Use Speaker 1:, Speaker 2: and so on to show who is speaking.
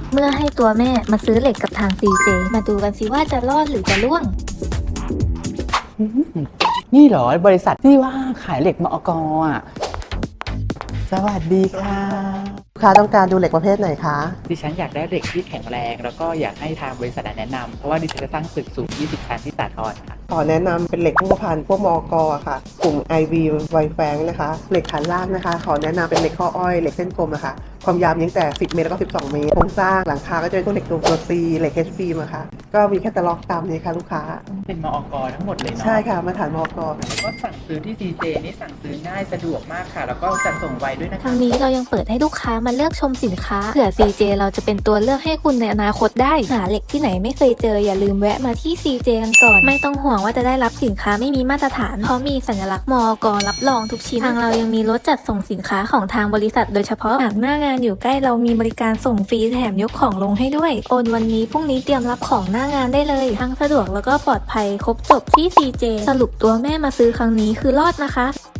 Speaker 1: เมื่อให้ตัวแม่มาซื้อเหล็กกับทาง CJ มาดูกันสิว่าจะรอดหรือจะร่วง
Speaker 2: นี่เหรอบริษัทที่ว่าขายเหล็กมอกอ่ะสวัสดีค่ะ
Speaker 3: ลูกค้าต้องการดูเหล็กประเภทไหนคะ
Speaker 2: ดิฉันอยากได้เหล็กที่แข็งแรง แล้วก็อยากให้ทางบริษัทแนะนำเพราะว่าดิฉันจะสร้างตึกสูง 20 ชั้นที่สาทรค่ะ
Speaker 3: ขอแนะนำเป็นเหล็กรูปพรรณพวกมอกอะค่ะ กลุ่ม IV ไวแฟงนะคะ เหล็กฐานล่างนะคะ ขอแนะนำเป็นเหล็กข้ออ้อย เหล็กเส้นกลมนะคะ ความยาวมีตั้งแต่ 10 เมตรแล้วก็ 12 เมตร โครงสร้างหลังคาก็จะเป็นพวกเหล็กตัว C เหล็ก HB อะค่ะ ก็มีแคตตาล็อกตามนี้ค่ะลูกค้า
Speaker 2: เป็นมอกทั้งหมดเลยเนาะ
Speaker 3: ใช่ค่ะ มาตรฐานมอก
Speaker 2: แล้วก็สั่งซื้อที่ CJ นี่สั่งซื้อง่ายสะดวกมากค่ะ แล้วก็จัดส่งไวด้วยนะคะ
Speaker 1: ทางนี้เรายังเปิดให้ลูกค้ามาเลือกชมสินค้าเผื่อ CJ เราจะเป็นตัวเลือกให้คุณในอนาคตได้หาเหล็กที่ไหนไม่เคยเจออย่าลืมแวะมาที่ CJ กันก่อนไม่ต้องห่วงว่าจะได้รับสินค้าไม่มีมาตรฐานเพราะมีสัญลักษณ์มอกรับรองทุกชิ้นทางเรายังมีรถจัดส่งสินค้าของทางบริษัทโดยเฉพาะหากหน้างานอยู่ใกล้เรามีบริการส่งฟรีแถมยกของลงให้ด้วยโอนวันนี้พรุ่งนี้เตรียมรับของหน้างานได้เลยทั้งสะดวกแล้วก็ปลอดภัยครบจบที่ CJ สรุปตัวแม่มาซื้อครั้งนี้คือรอดนะคะ